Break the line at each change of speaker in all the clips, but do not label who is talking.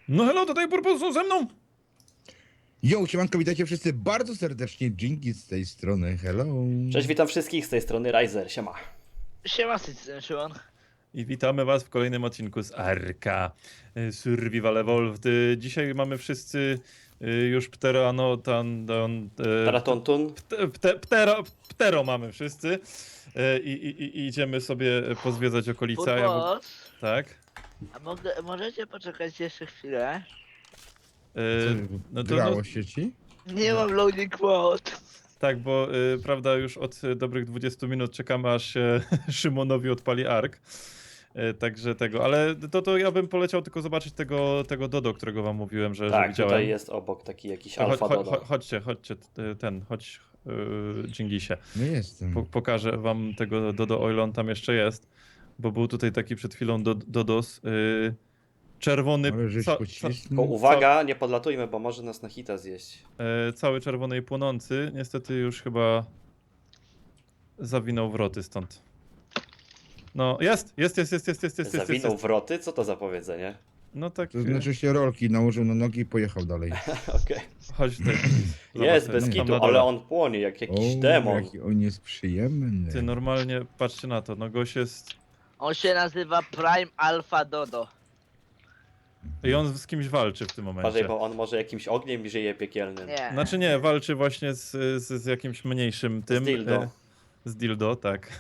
No hello, tutaj Purpos są ze mną.
Jo, siemanko, witajcie wszyscy bardzo serdecznie, Jinki z tej strony, hello.
Cześć, witam wszystkich z tej strony Riser, siema.
Siema, Szymon.
I witamy was w kolejnym odcinku z Arka Survival Evolved. Dzisiaj mamy wszyscy już
Taratontun.
Ptero mamy wszyscy i idziemy sobie pozwiedzać okolice. a
Purpos,
tak.
a możecie poczekać jeszcze chwilę?
No to,
Grało
no,
się ci?
Nie mam loading mode.
tak, bo prawda już od dobrych 20 minut czekamy aż się Szymonowi odpali Ark. Także tego, ale to ja bym poleciał tylko zobaczyć tego Dodo, którego wam mówiłem, że
Tak,
widziałem.
tutaj jest obok taki jakiś
To
alfa dodo.
chodźcie, chodź Dżingisie.
No jestem.
Pokażę wam tego Dodo, o ile on tam jeszcze jest, bo był tutaj taki przed chwilą Dodos, czerwony,
Ale żeś
Tylko
pocisnął.
uwaga, nie podlatujmy, bo może nas na hita zjeść.
cały czerwony i płonący, niestety już chyba zawinął wroty stąd. No, jest.
Zawinął wroty? Co to za powiedzenie?
No tak,
To znaczy się rolki nałożył na nogi i pojechał dalej.
Okej.
chodź tutaj.
Jest,
Zobacz,
bez
tam
kitu,
na dole.
ale on płonie jak jakiś demon.
jaki on jest przyjemny.
Ty normalnie, patrzcie na to, no gość jest...
On się nazywa Prime Alpha Dodo.
I on z kimś walczy w tym
Uważaj,
momencie.
bo on może jakimś ogniem żyje piekielnym.
Nie.
Znaczy nie, walczy właśnie z jakimś mniejszym tym.
dildo.
Z dildo, tak.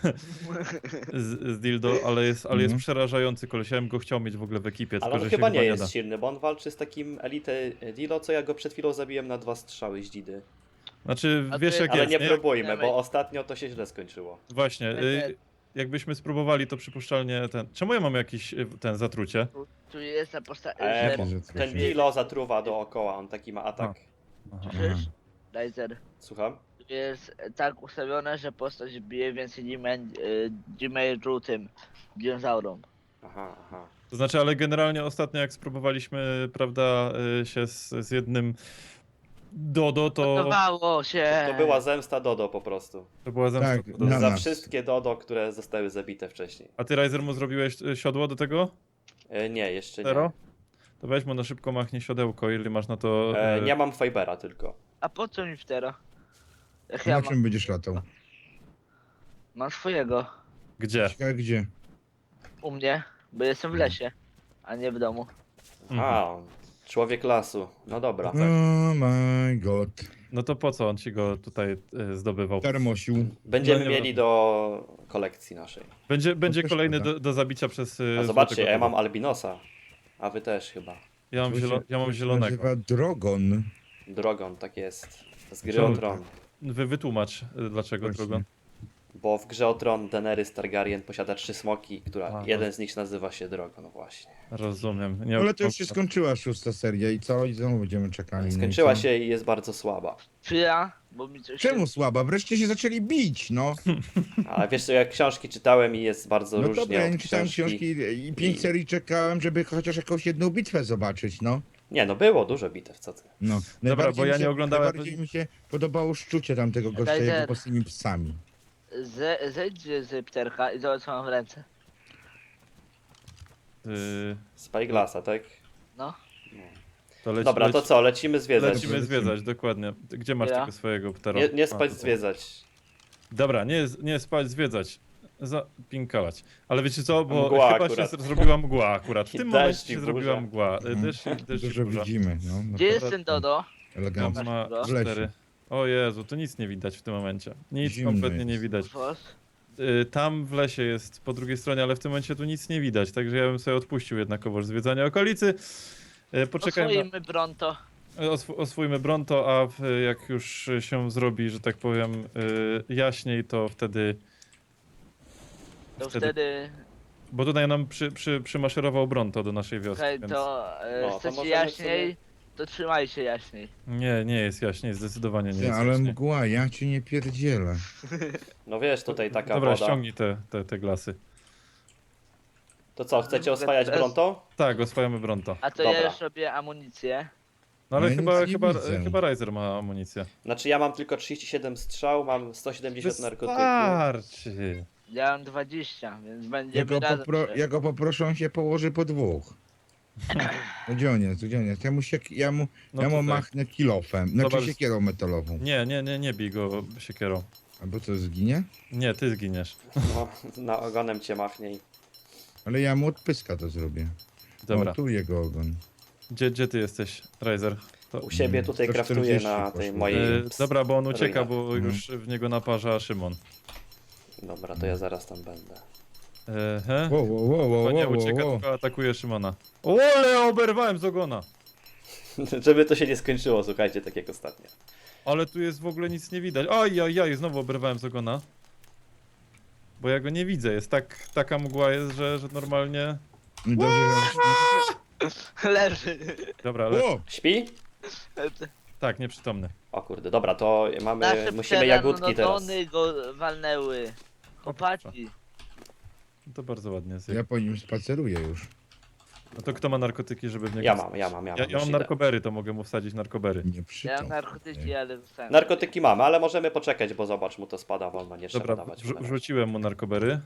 z dildo, ale jest
Mhm.
przerażający koleś. Ja bym go chciał mieć w ogóle w ekipie,
Ale
tylko
on
że
chyba
się
nie
da.
jest silny, bo on walczy z takim elite Dilo, co ja go przed chwilą zabiłem na 2 strzały z dzidy.
Znaczy,
A to
wiesz
jest-
jak
Ale
jest,
nie
nie?
próbujmy, bo ostatnio to się źle skończyło.
Właśnie, jakbyśmy spróbowali, to przypuszczalnie ten... Czemu ja mam jakiś ten zatrucie?
Tu jest na postaci.
Bo
że
ten
coś-
Dilo zatruwa dookoła, on taki ma atak.
Aha.
Słyszysz? Laser.
Słucham?
Tu jest tak ustawione, że postać bije więcej damage'u tym dinozaurom.
Aha.
To znaczy, ale generalnie ostatnio jak spróbowaliśmy, prawda, się z jednym Dodo, to
Podobało się.
To była zemsta Dodo po prostu.
była zemsta.
Tak,
Dodo.
na
Za
nas.
wszystkie Dodo, które zostały zabite wcześniej.
A ty, Riser, mu zrobiłeś siodło do tego?
Nie, jeszcze nie.
Zero? To weź mu na szybko machnie siodełko, jeżeli masz na to...
Nie mam Fibera tylko.
A po co mi wtero? Jak ja
Na
mam,
czym będziesz latał?
mam swojego.
Gdzie?
Ciekawe gdzie?
U mnie, bo jestem w lesie, a nie w domu.
A, człowiek lasu. No dobra.
Oh my god.
No to po co on ci go tutaj zdobywał?
Termosił.
Będziemy
No nie
mieli do kolekcji naszej.
Będzie
też
kolejny
szkoda.
do zabicia przez...
A zobaczcie,
złotego
ja mam
Dodo.
albinosa. A wy też chyba.
Ja mam, ja mam
To się
zielonego.
nazywa Drogon.
Drogon, tak jest. Z gry
Czemu
o Tron.
Wytłumacz, dlaczego
Właśnie.
Drogon.
Bo w grze o Tron Daenerys Targaryen posiada 3 smoki,
A,
jeden z nich nazywa się Drogon właśnie.
Rozumiem. Nie,
Ale to już się skończyła 6. seria i co? I znowu będziemy czekali. no i
Skończyła
co?
się i jest bardzo słaba.
Czy ja? Bo mi coś
Czemu słaba? Wreszcie się zaczęli bić, no.
Ale wiesz co, jak książki czytałem i jest bardzo
No
różnie
dobra, ja
od
nie czytałem książki i 5 serii czekałem, żeby chociaż jakąś jedną bitwę zobaczyć, no.
Nie, no było dużo bitew, co ty.
No.
Dobra, bo ja nie oglądałem-
Najbardziej mi się podobało szczucie tamtego gościa
Rider.
jego z tymi psami.
Zejdź z pterka i zobacz co mam w ręce.
Spyglassa, tak?
No.
To
Dobra, to co, lecimy zwiedzać.
Lecimy zwiedzać, dokładnie. Gdzie masz
Ja?
tego swojego ptera?
Nie spać,
A, tutaj.
zwiedzać.
Dobra, nie spać, zwiedzać. Zapinkałać. Ale wiecie co, bo
Mgła
chyba
akurat.
się zrobiła mgła akurat. W
I
tym
deszcz,
momencie
i
się
burza.
zrobiła mgła.
Mhm.
Deszcz i
Dużo
burza.
widzimy, no. no
Gdzie
to
jest ten Dodo?
elegancko.
On ma
W
lesie.
4. O Jezu, to nic nie widać w tym momencie. Nic
Zimno
kompletnie nie
jest.
widać.
Fos?
Tam w lesie jest po drugiej stronie, ale w tym momencie tu nic nie widać, także ja bym sobie odpuścił jednakowoż zwiedzanie okolicy. Poczekajmy,
Oswoimy Bronto.
oswójmy Bronto, a jak już się zrobi, że tak powiem, jaśniej, to wtedy...
To
Wtedy-
wtedy...
Bo tutaj nam przymaszerował Bronto do naszej wioski,
Okej,
więc...
to
No, to
chcecie
możemy
jaśniej, to trzymaj się jaśniej.
Nie jest jaśniej, zdecydowanie nie
Ty,
jest
ale
jaśniej.
mgła, ja cię nie pierdzielę.
No wiesz, tutaj taka
Dobra,
woda.
ściągnij te glasy.
To co, chcecie oswajać Bronto?
Tak, oswajamy Bronto.
A to
Dobra.
ja już robię amunicję.
No ale
Ja
chyba,
nic nie
chyba,
widzę.
chyba Riser ma amunicję.
Znaczy ja mam tylko 37 strzał, mam 170 narkotyków.
Wystarczy.
Ja mam 20, więc
Ja
będziemy
go,
razem.
ja go poproszę, on się położy po dwóch. No gdzie on jest, gdzie on jest? Ja mu
No
ja mu
tutaj.
machnę kilofem, znaczy
Zobacz.
siekierą metalową.
Nie bij go siekierą.
Albo co, zginie?
Nie, ty zginiesz.
No, na ogonem cię machnie i...
Ale ja mu od pyska to zrobię.
Dobra.
O, tu jego ogon.
Gdzie ty jesteś, Riser? To...
U siebie tutaj
140
kraftuję na tej
poszło.
mojej...
Dobra, bo on ucieka,
ruinach.
bo już w niego naparza Szymon.
Dobra, to ja zaraz tam będę.
He?
Wow,
To nie ucieka, tylko atakuje Szymona. Ole, oberwałem z ogona!
Żeby to się nie skończyło, słuchajcie, tak jak ostatnio.
Ale tu jest w ogóle nic nie widać. Ajajaj, znowu oberwałem z ogona. Bo ja go nie widzę, jest taka mgła jest, że normalnie...
Dobrze,
Leży.
Dobra,
że...
ale...
O!
Śpi?
Tak, nieprzytomny.
O kurde, dobra, to
Nasze
musimy jagódki teraz.
pteranodony go walnęły. Chłopaki.
No to bardzo ładnie jest.
Ja po nim spaceruję już.
No to kto ma narkotyki, żeby w niego...
Ja mam.
Ja
już
mam
idę.
narkobery, to mogę mu wsadzić narkobery.
Nie
Ja mam
przytom.
narkotyki, ale zostałem.
Narkotyki mamy, ale możemy poczekać, bo zobacz, mu to spada wolno, nie trzeba
Dobra,
dawać.
wrzuciłem mu narkobery.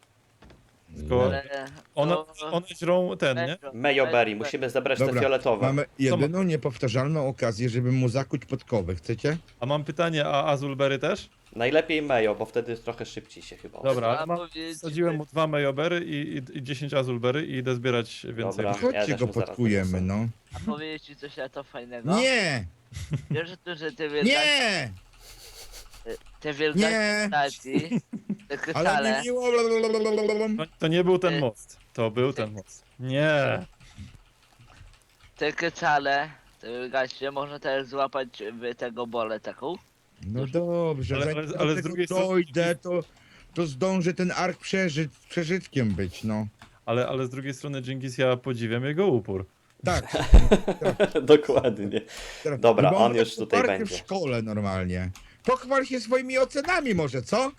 Tylko
Ale
one
to-
żrą ten, nie?
Mayoberry, musimy zebrać te
Dobra,
fioletowe.
mamy jedyną niepowtarzalną okazję, żeby mu zakuć podkowy. Chcecie?
A mam pytanie, a azulbery też?
Najlepiej Mayo, bo wtedy trochę szybciej się chyba.
Dobra, ale
Trzeba powiedzieć,
wsadziłem mu 2 mayobery i 10 azulbery i idę zbierać więcej.
Dobra.
Chodźcie
też
go
mu zaraz
podkujemy,
doniosę.
no.
A powiedzieć ci coś na to fajnego?
Nie!
Wiesz, że te wielkie
Nie!
te wielkie
Nie!
stacji, te
Ale
krystale,
nie miło.
To nie był ten
Ty-
most. To był ten most. Nie.
te krystale, te gaście, można też złapać w tego bolę taką.
No dobrze,
Ale-
zanim
ale-
do
ale z
tego
drugiej strony-
dojdę, to zdąży ten ark przeżytkiem być, no.
Ale z drugiej strony Dżingis, ja podziwiam jego upór.
Tak.
Dokładnie.
tak.
Dobra,
Bo
on
ma
już tutaj
arkę
będzie.
w szkole normalnie. Pochwal się swoimi ocenami może, co?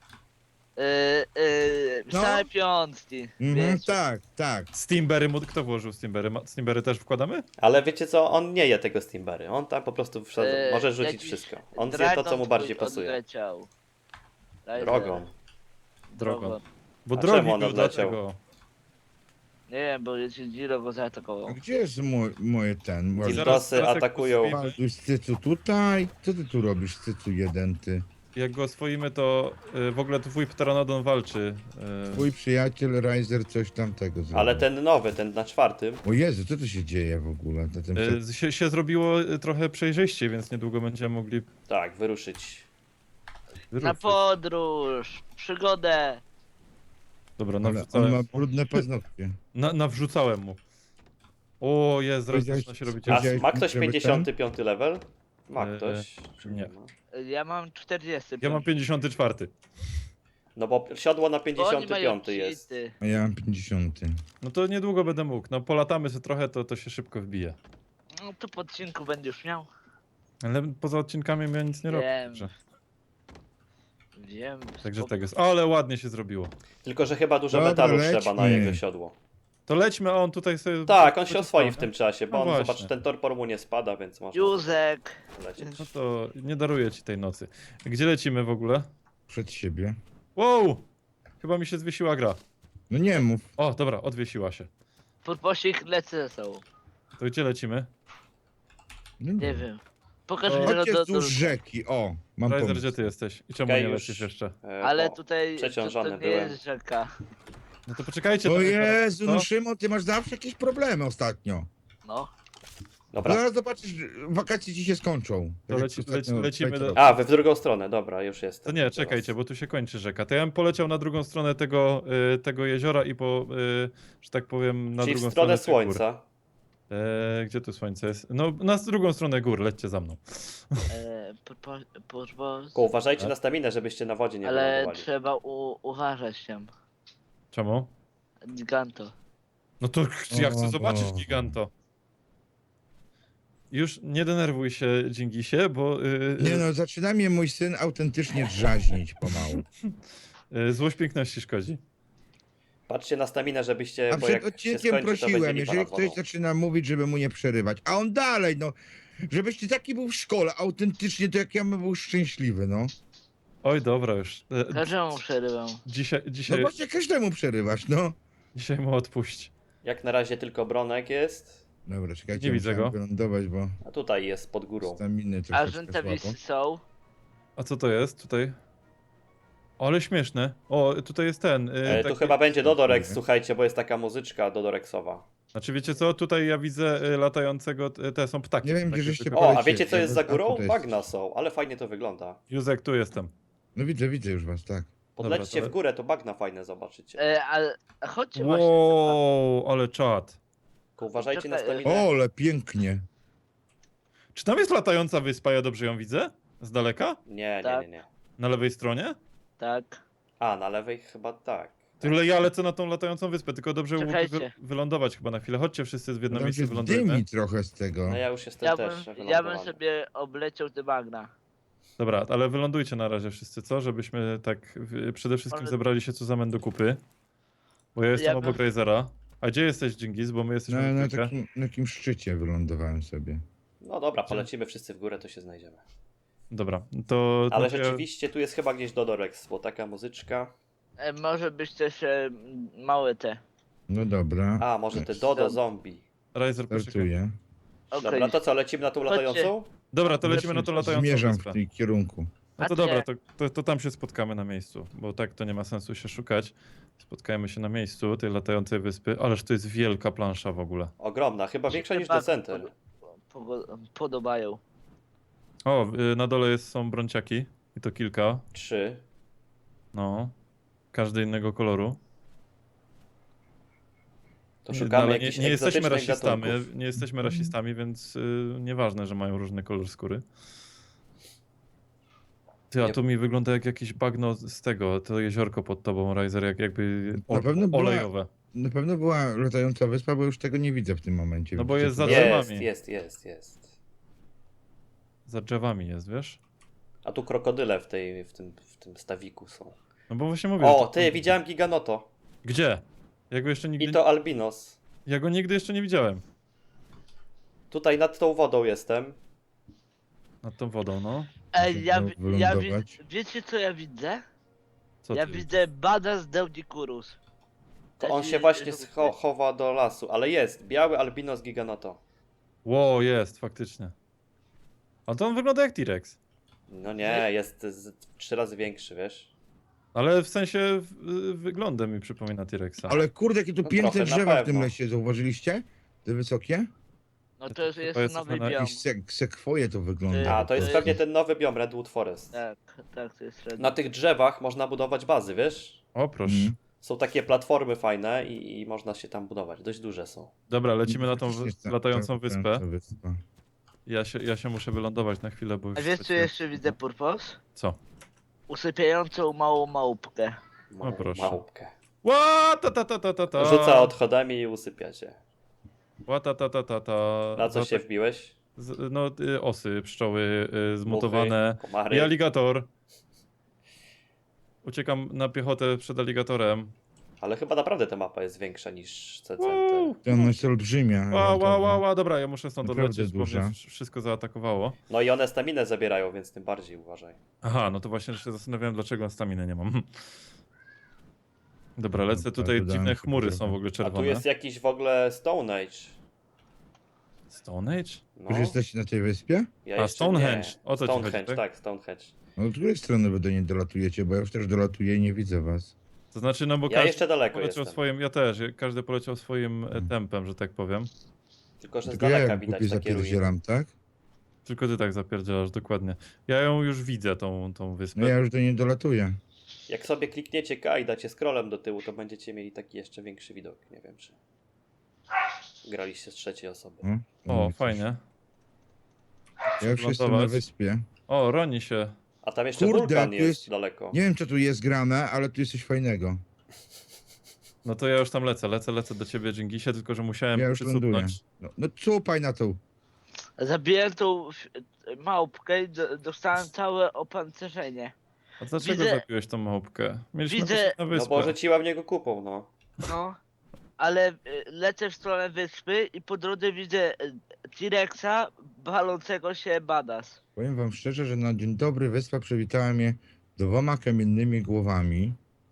No.
Same piątki,
Mhm,
wiesz.
tak, tak.
Steamberry, kto włożył Steamberry? Steamberry też wkładamy?
Ale wiecie co, on nie je tego Steamberry, on tam po prostu wszedł, może rzucić
jakiś
wszystko. On zje
dragon
to, co mu bardziej
twój
pasuje.
odleciał. Riser,
Drogą.
Drogą. Bo
A
drogi
czemu on
był,
odleciał?
dlatego.
Nie wiem, bo Giro go
A
zaatakował.
gdzie jest moje ten?
I zaraz-
Dildosy
jak
atakują.
postawimy-
Balduś, Cycu tutaj? Co ty tu robisz, Cycu jeden, ty?
Jak go oswoimy, to w ogóle twój pteranodon walczy.
Twój przyjaciel Riser coś tamtego zrobił.
Ale ten nowy, ten na 4.
O Jezu, co tu się dzieje w ogóle?
Się zrobiło trochę przejrzyściej, więc niedługo będziemy mogli
Tak, wyruszyć.
Na
wyruszyć.
podróż, przygodę.
Dobra,
Ale on
nawrzucałem,
ma brudne paznokcie.
nawrzucałem mu. O, jest, zaraz
Powiedziałeś-
zaczyna się robić.
A
Powiedziałeś
ma
mi,
ktoś
żeby
55 level? Ma ktoś? Czy
nie.
ma?
Ja mam 40.
Ja mam 54.
No bo siodło na
Bo oni mają
55 jest.
cheaty.
A ja mam 50.
No to niedługo będę mógł. No polatamy sobie trochę, to się szybko wbije.
No to po odcinku będziesz miał.
Ale poza odcinkami ja nic nie robię.
Wiem.
Także,
Wiem.
także
spoko.
tego jest. Ale ładnie się zrobiło.
Tylko, że chyba dużo
Dobra,
metalu trzeba na
lećmy.
jego siodło.
To lećmy, a on tutaj sobie...
Tak, on się
będzie
oswoi
stał,
w
nie?
tym czasie, bo
No
on,
właśnie.
zobacz, ten torpor mu nie spada, więc można
Józek.
lecieć.
No to nie daruję ci tej nocy. Gdzie lecimy w ogóle?
Przed siebie.
Wow! Chyba mi się zwiesiła gra.
No nie mów.
O, dobra, odwiesiła się.
Podposik lecę ze sobą.
To gdzie lecimy?
No
Nie wiem. Pokaż
To-
mi
Chodźcie
do
wzdłuż rzeki, o. Mam
Riser,
pomysł.
gdzie ty jesteś? I czemu
Okej,
nie
już.
lecisz jeszcze?
Ale
bo
tutaj
przeciążony
to nie
byłem.
jest rzeka.
No to poczekajcie.
O
tam-
Jezu, no
No.
Szymon, ty masz zawsze jakieś problemy ostatnio.
No.
Dobra.
Zaraz zobaczysz, wakacje ci się skończą.
To
Tak
leci-
jak ostatnio
lecimy do-
Peter.
A, wy w drugą stronę, dobra, już jest.
To nie, czekajcie, bo tu się kończy rzeka. To ja bym poleciał na drugą stronę tego jeziora i że tak powiem, na
Czyli w
drugą
stronę
tych gór.
słońca.
Gdzie tu słońce jest? No, na drugą stronę gór, lećcie za mną.
Tylko uważajcie na staminę, żebyście na wodzie nie
Ale
wylądowali.
trzeba uważać tam.
Czemu?
Giganto.
No to ja chcę
O
zobaczyć
Boże.
giganto. Już nie denerwuj się, Dżingisie, bo
Nie no, zaczyna mnie mój syn autentycznie drzaźnić pomału.
złość piękności szkodzi.
Patrzcie na staminę, żebyście,
A
bo
przed
jak się
odcinkiem
skończy, to będzie
prosiłem,
lipa
jeżeli
nad wodą.
ktoś zaczyna mówić, żeby mu nie przerywać, a on dalej, no, żebyś ty taki był w szkole, autentycznie, to jak ja bym był szczęśliwy, no.
Oj, dobra już.
Każdemu przerywam.
Dzisiaj,
No
dzisiaj,
właśnie każdemu przerywasz, no.
dzisiaj mu odpuść.
Jak na razie tylko Bronek jest,
Dobra, czekajcie,
Nie widzę
musiałem
go.
wylądować, bo
a tutaj jest pod górą.
staminy
A
troszeczkę
żółtawisy
słabo.
są.
A co to jest tutaj? O, ale śmieszne. O, tutaj jest ten.
Tu
Taki...
chyba będzie Dodorex,
Nie.
słuchajcie, bo jest taka muzyczka Dodorexowa.
Znaczy wiecie co? Tutaj ja widzę latającego, te są ptaki.
Nie wiem,
takie
gdzie żeście
zwykłe.
O, a
Polecie,
wiecie co
ja
jest
bez-
za górą?
a, tutaj
Bagna
jest.
są, ale fajnie to wygląda.
Józek, tu jestem.
No widzę już was, tak.
Podlećcie
to-
w górę, to bagna fajne zobaczycie.
Ale chodźcie właśnie.
Wow, ale czad.
Tylko uważajcie na
Czekaj,
staminę.
O, ale pięknie.
Czy tam jest latająca wyspa? Ja dobrze ją widzę? Z daleka?
Nie.
Na lewej stronie?
Tak.
A, na lewej chyba tak.
Tyle ja lecę na tą latającą wyspę, tylko dobrze mógł
Czekajcie.
wylądować chyba na chwilę. Chodźcie wszyscy w jedno
Tam
miejsce,
się
wylądujemy.
dymi trochę z tego.
No ja już jestem
Ja
też
bym
wylądowany.
sobie obleciał te bagna.
Dobra, ale wylądujcie na razie wszyscy, co? Żebyśmy tak przede wszystkim
Ale-
zebrali się co za do kupy. Bo ja jestem
Ja
obok
bym-
Razera. A gdzie jesteś, Dżingis? Bo my jesteśmy
Na
w trójkę.
takim szczycie wylądowałem sobie.
No dobra, polecimy wszyscy w górę, to się znajdziemy.
Dobra, to...
Ale
no to ja-
rzeczywiście tu jest chyba gdzieś Dodorex, bo taka muzyczka.
Może być też małe te.
No dobra.
A, może te Dodo Zombie.
Razer, poczekaj.
Startuję.
Okej.
Dobra, to co, lecimy na tą
Chodźcie.
latającą?
Dobra, to lecimy na to latającą
Zmierzam
wyspę.
w tym kierunku.
No to
A gdzie?
dobra, to tam się spotkamy na miejscu, bo tak to nie ma sensu się szukać. Spotkajmy się na miejscu tej latającej wyspy, ależ to jest wielka plansza w ogóle.
Ogromna, chyba większa niż
Chyba
Decenter.
Podobają.
O, na dole są bronciaki i to kilka,
3.
no. Każdy innego koloru.
To
No,
szukamy
ale
jakichś
nie jesteśmy
egzotycznych
rasistami,
gatunków.
nie jesteśmy rasistami, więc nieważne, że mają różny kolor skóry. Ty, a
Nie-
to mi wygląda jak jakieś bagno z tego, to jeziorko pod tobą, Riser, jak jakby
Na pewno była-
olejowe.
Na pewno była latająca wyspa, bo już tego nie widzę w tym momencie.
No bo
Widzicie
jest za
to?
drzewami.
Jest.
Za drzewami jest, wiesz?
A tu krokodyle w tym stawiku są.
No bo właśnie mówię.
O,
że-
ty, widziałem Giganoto.
Gdzie? Ja go jeszcze nigdy,
I to Albinos.
ja go nigdy jeszcze nie widziałem.
Tutaj nad tą wodą jestem.
Nad tą wodą, no.
Ej, ja
wylądować.
wiecie co ja widzę?
Co
Ja
ty?
widzę Badass Deudicurus.
To on się właśnie chowa do lasu, ale jest. Biały Albinos Giganoto.
Ło, jest, faktycznie. A to on wygląda jak T-Rex.
No nie, jest 3 razy większy, wiesz?
Ale w sensie wyglądem mi przypomina T-Rexa.
Ale kurde, jakie tu
No
piękne
trochę, na
drzewa w tym
pewno.
lesie, zauważyliście? Te wysokie?
No
To
to jest,
chyba
jest
jesteśmy
nowy
na
biom.
Jakieś sekwoje to wygląda.
A, to jest pewnie ten nowy biom Redwood Forest.
Tak, to jest
Na tych drzewach można budować bazy, wiesz?
O, proszę.
Mhm.
Są takie platformy fajne i można się tam budować. Dość duże są.
Dobra, lecimy na tą
Faktycznie
latającą
ta
wyspę.
latająca wyspa.
Ja się muszę wylądować na chwilę, bo już...
A wiesz co jeszcze widzę, Purpos?
Co?
Usypiającą małą małpkę.
Małą
proszę.
małpkę.
Ła, ta.
Rzuca odchodami i usypia cię.
Ła, ta.
Na co
No
się
tak,
wbiłeś?
No, osy, pszczoły, zmutowane.
Muchy, komary.
I aligator. Uciekam na piechotę przed aligatorem.
Ale chyba naprawdę ta mapa jest większa niż C-Center.
Wow.
To ona jest olbrzymia.
Ła, dobra, ja muszę stąd
Naprawdę
odlecieć, bo mnie
duża.
wszystko zaatakowało.
No i one staminę zabierają, więc tym bardziej uważaj.
Aha, no to właśnie się zastanawiałem, dlaczego staminy nie mam. Dobra, lecę
Dobra,
tutaj,
dodałem
dziwne
sobie
chmury
trochę.
są w ogóle
A tu
czerwone.
jest jakiś w ogóle Stone Age.
Stone Age?
No,
Już jesteście na tej wyspie?
ja
A,
jeszcze
Stonehenge.
nie.
O co ci chodzi,
Stonehenge,
tak?
tak, Stonehenge.
No od której strony wy do niej dolatujecie? Bo ja już też dolatuję i nie widzę was.
To znaczy, no bo
Ja
każdy
jeszcze daleko
poleciał
jestem.
swoim, ja też, każdy poleciał swoim tempem, że tak powiem.
Tylko, że z
Tylko ja
daleka
jak
widać
głupi
takie ruiny.
zapierdzielam, tak?
Tylko ty tak zapierdzielasz, dokładnie. Ja ją już widzę, tą wyspę.
No ja już do niej dolatuję.
Jak sobie klikniecie K i dacie scrollem do tyłu, to będziecie mieli taki jeszcze większy widok. Nie wiem, czy graliście z trzeciej osoby.
O, fajnie.
Ja już jestem na
Lądować.
wyspie.
O, roni się.
A tam jeszcze
Kurde,
wulkan
tu
jest
jest-
daleko.
Nie wiem, co tu jest grane, ale tu jest coś fajnego.
No to ja już tam lecę do ciebie, Dżingisie, tylko że musiałem
Ja już ląduję.
przysupnąć.
No cupaj na tą.
Zabiłem tą małpkę i dostałem całe opancerzenie.
A dlaczego
Widzę-
zabiłeś tą małpkę? Mieliśmy
widzę-
lecieć na
No
wyspę.
bo rzuciła w niego kupą, no.
No, ale lecę w stronę wyspy i po drodze widzę T-Rexa balącego się Badass.
Powiem wam szczerze, że na dzień dobry wyspa przywitała mnie 2 kamiennymi głowami.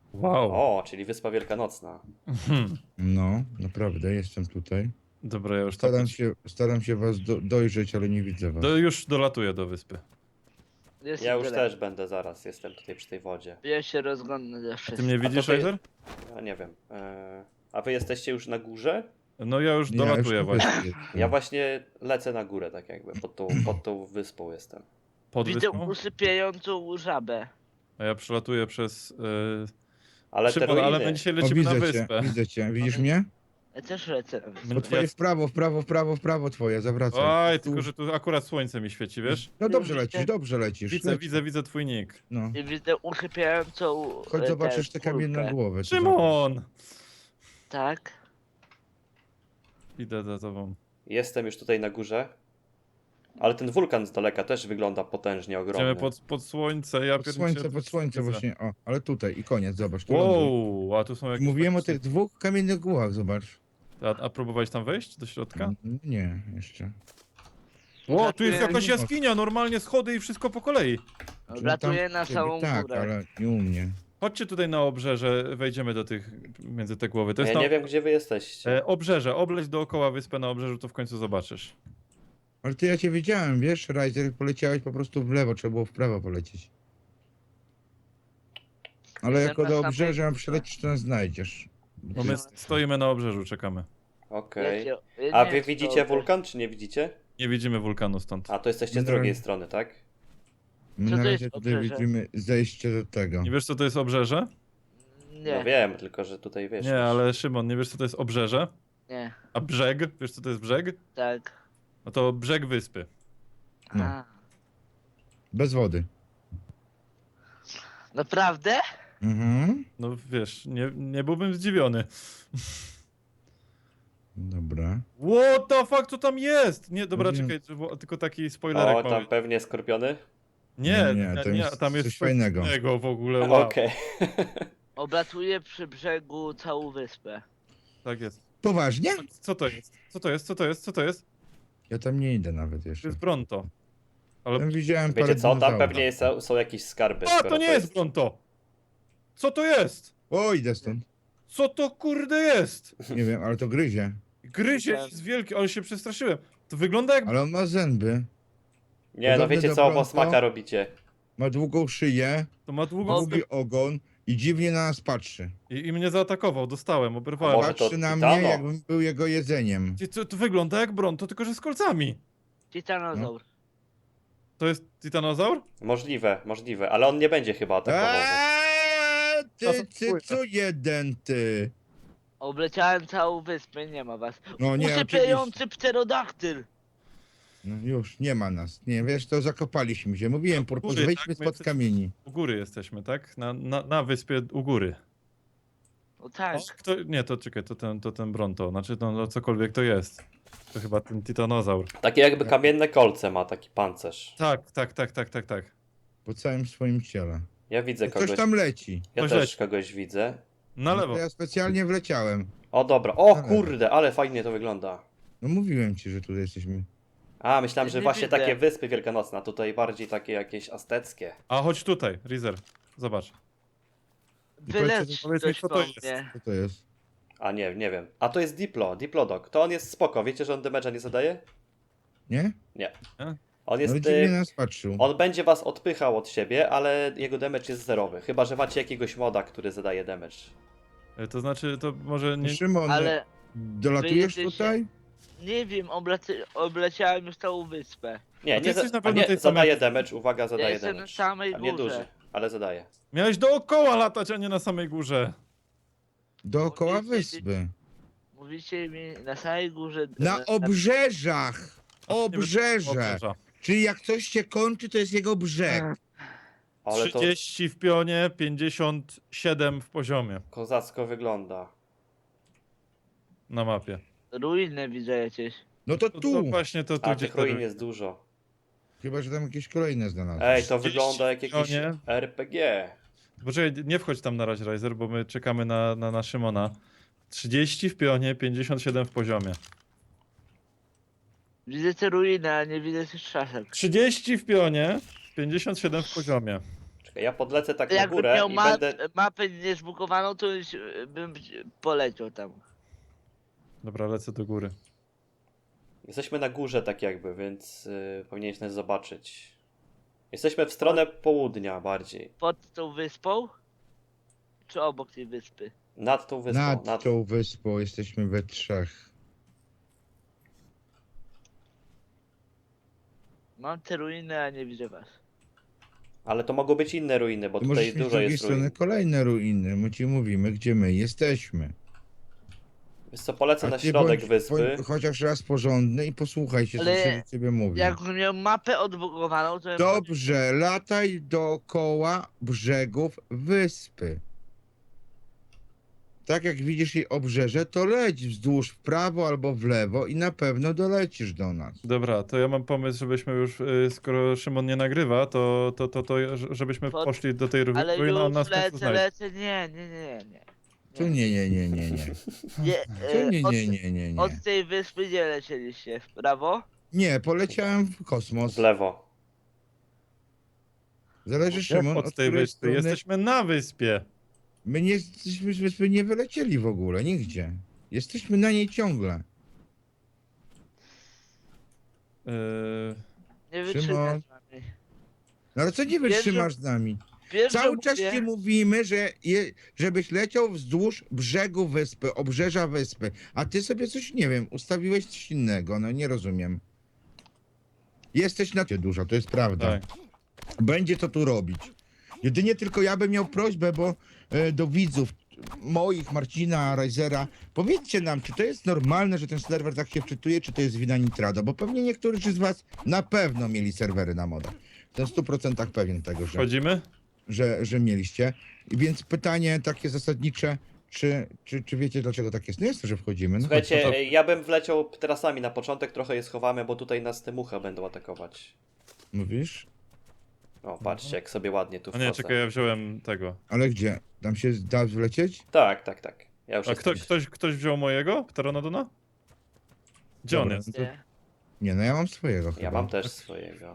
Wow.
O, czyli Wyspa Wielkanocna.
No, naprawdę, jestem tutaj.
Dobra, ja już tam
Staram się was dojrzeć, ale nie widzę was.
już dolatuję do wyspy.
Jest
Ja już
tyle.
też będę zaraz, jestem tutaj przy tej wodzie.
Ja się rozglądam za
Ty
wszystkim.
mnie
A to
widzisz,
ty-
Razer?
Ja nie wiem. A wy jesteście już na górze?
No ja już
Ja
dolatuję
tu
właśnie.
jestem.
Ja właśnie lecę na górę, tak jakby, pod tą wyspą jestem.
Pod
Widzę
wyspą?
usypiającą żabę.
A ja przelatuję przez...
Ale te
Szymon, ale
ruiny,
my dzisiaj
O,
lecimy na
widzę cię,
wyspę.
widzę cię. Widzisz mnie?
Ja też lecę na wyspę.
To twoje w prawo twoje, zawracaj.
Oj,
Tu.
tylko że tu akurat słońce mi świeci, wiesz?
No
Widzicie?
dobrze lecisz.
Widzę,
leć.
widzę twój nick.
No.
I widzę usypiającą...
Chodź zobaczysz te kamienne
kulkę.
głowy. to
Szymon!
Tak.
Idę za tobą.
jestem już tutaj na górze. Ale ten wulkan z daleka też wygląda potężnie ogromny.
Idziemy pod słońce, ja
Pod słońce
widzę.
właśnie. O, ale tutaj i koniec, zobacz. Tu ląduj.
Wow, a tu są jakieś...
Mówiłem o tych dwóch kamiennych głowach, zobacz.
A próbowałeś tam wejść do środka?
Nie, jeszcze.
Ło, tu jest
Wlatuję-
jakaś jaskinia, normalnie schody i wszystko po kolei.
Wlatuję
Tam
na
ciebie
samą
tak,
górę.
ale nie u mnie.
Chodźcie tutaj na obrzeże, wejdziemy do tych, między te głowy. To
Ja
jest tam,
nie wiem, gdzie wy jesteście.
obrzeże, obleć dookoła wyspę na obrzeżu, to w końcu zobaczysz.
Ale ty ja cię wiedziałem, wiesz, Ryzer, poleciałeś po prostu w lewo, trzeba było w prawo polecieć. Ale
Jestem
jako
na
do
samej
obrzeża
górze.
przylecisz, to nas znajdziesz.
Bo my stoimy na obrzeżu, czekamy.
Okej.
Ja
A
nie
wy
wiem,
widzicie
co-
wulkan, czy nie widzicie?
Nie widzimy wulkanu stąd.
A to jesteście z
No.
drugiej strony, tak?
My
Co
na
to
razie
jest
tutaj
obrzeże?
widzimy zejście do tego.
Nie wiesz, co to jest obrzeże?
Nie,
No wiem, tylko że tutaj wiesz.
Nie, ale Szymon, nie wiesz, co to jest obrzeże?
nie,
A brzeg? Wiesz, co to jest brzeg?
tak.
No to brzeg wyspy.
No.
A,
Bez wody.
naprawdę?
Mhm.
No wiesz, nie byłbym zdziwiony.
Dobra.
What the fuck, co tam jest? Nie, dobra,
Mówiłem.
czekaj, tylko taki spoilerek
O,
mały.
tam pewnie skorpiony?
Nie,
to jest
tam jest
coś fajnego.
w ogóle, wow.
Okej.
Oblatuję przy brzegu całą wyspę.
Tak jest.
Poważnie?
Co to jest? Co to jest? Co to jest? Co to jest?
Ja tam nie idę nawet
To
jeszcze.
jest Bronto. Ale...
Tam widziałem
Wiecie
parę
co, tam
dinozaurów.
pewnie są jakieś skarby.
A,
skoro
to nie jest Bronto! Co to jest?
O, idę stąd.
Co to kurde jest?
Nie wiem, ale to gryzie.
Gryzie jest wielki, ale się przestraszyłem. To wygląda jak...
Ale on ma zęby,
Nie, no
Podobny
wiecie
do
co, bo
Bronto?
smaka robicie.
ma długą szyję,
To ma długo...
długi ogon i dziwnie na nas patrzy.
I mnie zaatakował, dostałem,
A
oberwałem.
może to
Patrzy na
Titano?
mnie, jakbym był jego jedzeniem.
To wygląda jak Bronto, tylko że z kolcami.
Titanozaur.
To jest titanozaur?
Możliwe, ale on nie będzie chyba atakował was.
Ty, cycu jeden, ty.
Obleciałem całą wyspę, nie ma was.
No nie, oczywiście.
Usypiający pterodaktyl.
No już, nie ma nas. Nie, wiesz, to zakopaliśmy się. Mówiłem, Purpos,
Góry,
wejdźmy
tak? My
spod
jesteśmy-
kamieni.
U góry jesteśmy, tak? Na wyspie u góry.
No tak.
Nie, to czekaj, to ten Bronto, znaczy no cokolwiek to jest. To chyba ten titanozaur.
Takie jakby kamienne kolce ma, taki pancerz.
Tak.
Po całym swoim ciele.
Ja widzę
Ktoś
kogoś.
tam leci.
Ja
Ktoś
też
leci.
kogoś widzę.
Na
No
lewo.
to ja specjalnie wleciałem.
O dobra, o
Na lewo.
kurde, ale fajnie to wygląda.
No mówiłem ci, że tutaj jesteśmy.
A, myślałem, że
Nie
właśnie
widzę.
takie wyspy wielkanocne, a tutaj bardziej takie jakieś azteckie.
A chodź tutaj, Rizer. Zobacz.
Wylecz
powiedz mi,
coś
co to
po
jest.
mnie.
Co to jest?
A nie wiem. A to jest Diplodok. To on jest spoko. Wiecie, że on damage'a nie zadaje?
Nie?
On
No
jest.
dziwnie nas patrzył.
On będzie was odpychał od siebie, ale jego damage jest zerowy. Chyba, że macie jakiegoś moda, który zadaje damage.
To znaczy, to może nie...
Szymon,
Ale
dolatujesz
wy jesteście-
tutaj?
nie wiem, obleciałem już całą wyspę.
Nie,
A ty jesteś na
a
pewno
nie
tej
zadaje
samej-
damage, uwaga,
Ja
zadaje
jestem na
damage.
samej
A nie
górze.
duży, ale zadaje.
Miałeś dookoła latać, a nie na samej górze.
Dookoła
Mówicie,
wyspy.
Mówicie mi na samej górze.
Na obrzeżach! Obrzeże!
Obrzeża.
Czyli jak coś się kończy, to jest jego brzeg.
Ale to
30 w pionie, 57 w poziomie
kozacko wygląda.
na mapie.
Ruiny widzę jakieś.
No to
To
tu.
właśnie to tu
A
gdzie
tych ruin jest dużo.
Chyba, że tam jakieś kolejne znalazłem.
Ej, to
30
wygląda jak jakiś
nie?
RPG.
Poczekaj, nie wchodź tam na razie, Riser, bo my czekamy na Szymona. 30 w pionie, 57 w poziomie.
Widzę te ruiny, a nie widzę tych szaszek.
30 w pionie, 57 w poziomie.
Czekaj, Okej, ja podlecę tak na
Jakbym
górę
miał
i będę...
mapę niezbukowaną, to już bym poleciał tam.
Dobra, lecę do góry.
Jesteśmy na górze tak jakby, więc powinieneś nas zobaczyć. Jesteśmy w stronę południa bardziej.
Pod tą wyspą? Czy obok tej wyspy?
Nad tą wyspą.
Nad tą wyspą jesteśmy we trzech.
Mam te ruiny, a nie widzę was.
Ale to mogą być inne ruiny, bo
To
tutaj
możesz mieć z
dużo
drugiej
jest
strony
ruin.
kolejne ruiny. My ci mówimy, gdzie my jesteśmy.
Wiesz co, polecę
A
na
ty
środek
bądź
wyspy.
chociaż raz porządny i posłuchaj się, co
Ale
się do ciebie mówi.
Jakbym miał mapę odbukowaną, to bym
Dobrze, lataj dookoła brzegów wyspy. Tak jak widzisz jej obrzeże, to leć wzdłuż w prawo albo w lewo i na pewno dolecisz do nas.
Dobra, to ja mam pomysł, żebyśmy już, skoro Szymon nie nagrywa, to żebyśmy
Pod-
poszli do tej
Ale
ruiny, a on
już
nas w końcu znajdzie.
lecę, nie.
Tu nie.
Nie,
Tu nie,
od,
nie.
od tej wyspy nie lecieliście, w prawo?
Nie, poleciałem w kosmos.
W lewo.
Zależy,
Jak
Szymon,
od tej
której
wyspy?
strony-
Jesteśmy na wyspie.
My nie jesteśmy z wyspy, nie wylecieli w ogóle, nigdzie. Jesteśmy na niej ciągle.
Yy,
Nie
Szymon.
wytrzymasz z nami.
No ale co nie
Wiesz,
wytrzymasz z nami?
Wiesz,
Cały
że
czas
mówię-
ci mówimy, żebyś leciał wzdłuż brzegu wyspy, obrzeża wyspy, a ty sobie coś, nie wiem, ustawiłeś coś innego, no nie rozumiem. Jesteś na dużo, to jest prawda.
tak.
Będzie co tu robić. Jedynie tylko ja bym miał prośbę, bo do widzów moich, Marcina, Risera, powiedzcie nam, czy to jest normalne, że ten serwer tak się wczytuje, czy to jest wina Nitrado, bo pewnie niektórzy z was na pewno mieli serwery na modach. Jestem w 100% pewien tego,
Wchodzimy?
że mieliście. I więc pytanie takie zasadnicze, czy wiecie dlaczego tak jest? No jest to, że wchodzimy. No
Słuchajcie,
to-
ja bym wleciał terasami na początek, trochę je schowamy, bo tutaj nas te muchy będą atakować.
mówisz?
O, patrzcie, jak sobie ładnie tu
A nie,
wchodzę.
czekaj, ja wziąłem tego.
Ale gdzie? Tam się da wlecieć?
Tak. Ja już
A
jestem.
ktoś wziął mojego? Pteranodona? Gdzie on
Dobra,
jest?
no to-
Nie.
Nie, no ja mam swojego chyba.
Ja mam też swojego.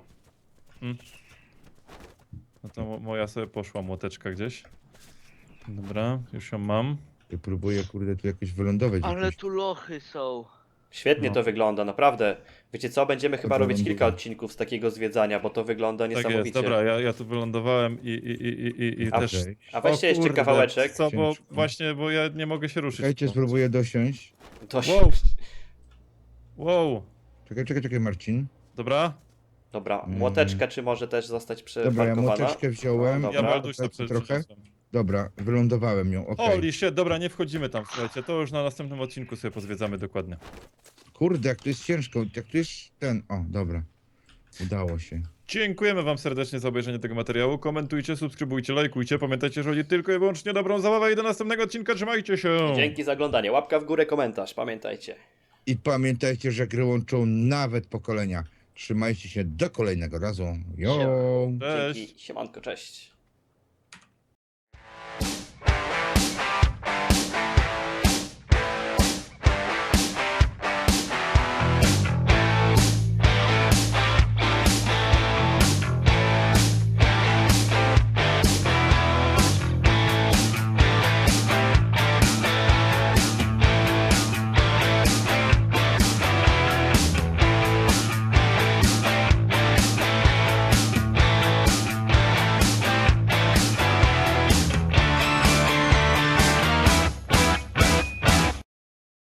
No to moja sobie poszła młoteczka gdzieś. Dobra, już ją mam.
Ja próbuję, kurde, tu jakoś wylądować.
Ale
jakoś.
tu lochy są.
Świetnie
No.
to wygląda, naprawdę. Wiecie co, będziemy chyba
Dobra,
robić
ląduję.
kilka odcinków z takiego zwiedzania, bo to wygląda
Tak
niesamowicie.
jest, dobra, ja tu wylądowałem i
A
też...
Okej.
A weźcie
O
jeszcze
kurde,
kawałeczek.
Co, bo
Ciężko.
właśnie, bo ja nie mogę się ruszyć.
Czekajcie, spróbuję dosiąść.
To się...
Wow. Wow,
Czekaj, Marcin.
dobra.
Dobra, młoteczka czy może też zostać
Dobra, ja
przeparkowana?
młoteczkę wziąłem.
No,
Ja
dobra.
Balduś na
trochę. Dobra, wylądowałem ją, okej.
Holy shit, dobra, nie wchodzimy tam, słuchajcie, to już na następnym odcinku sobie pozwiedzamy dokładnie.
Kurde, jak to jest ciężko, jak tu jest ten... O, dobra. Udało się.
Dziękujemy wam serdecznie za obejrzenie tego materiału, komentujcie, subskrybujcie, lajkujcie, pamiętajcie, że chodzi tylko i wyłącznie o dobrą zabawę i do następnego odcinka, trzymajcie się!
Dzięki za oglądanie. Łapka w górę, komentarz, pamiętajcie.
I pamiętajcie, że gry łączą nawet pokolenia. Trzymajcie się do kolejnego razu. Jo!
Cześć!
Dzięki, siemanko, cześć.